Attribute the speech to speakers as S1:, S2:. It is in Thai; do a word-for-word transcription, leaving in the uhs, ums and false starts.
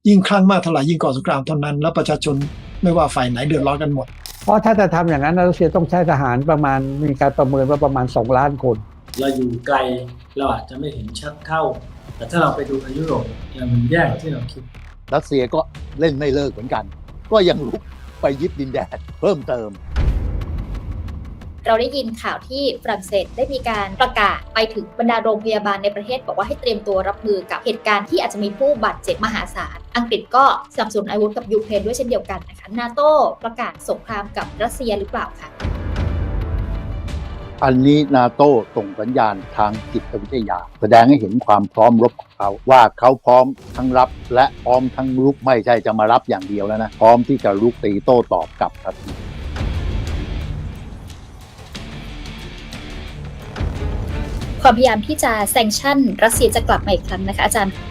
S1: ยิ่งคลั่งมากเท่าไหร่ยิ่งก่อสงครามเท่านั้นแล้วประชาชนไม่ว่าฝ่ายไหนเดือดร้อนกันหมด
S2: เพราะถ้าจะทำอย่างนั้นรัสเซียต้องใช้ทหารประมาณมีการประเมินว่าประมาณสองล้านคน
S3: เราอยู่ไกลเราอาจจะไม่เห็นชัดเท่าแต่ถ้าเราไปดูในยุโรปเนี่ยมันแย่กว่าที่เราคิด
S4: รัสเซียก็เล่นไม่เลิกเหมือนกันก็ยังลุกไปยึดดินแดนเพิ่มเติม
S5: เราได้ยินข่าวที่ฝรั่งเศสได้มีการประกาศไปถึงบรรดาโรงพยาบาลในประเทศบอกว่าให้เตรียมตัวรับมือกับเหตุการณ์ที่อาจจะมีผู้บาดเจ็บมหาศาลอังกฤษก็สนับสนุนอาวุธกับยูเครนด้วยเช่นเดียวกันนะคะนาโต้ประกาศสงครามกับรัสเซียหรือเปล่าคะ
S4: อันนี้นาโต้ส่งสัญญาณทางจิตวิทยาแสดงให้เห็นความพร้อมรบของเขาว่าเขาพร้อมทั้งรับและพร้อมทั้งรุกไม่ใช่จะมารับอย่างเดียวแล้วนะพร้อมที่จะรุกตีโต้ตอบกลับทันที
S5: ความพยายามที่จะแซงชั่นรัสเซียจะกลับมาอีกครั้งนะคะอาจารย์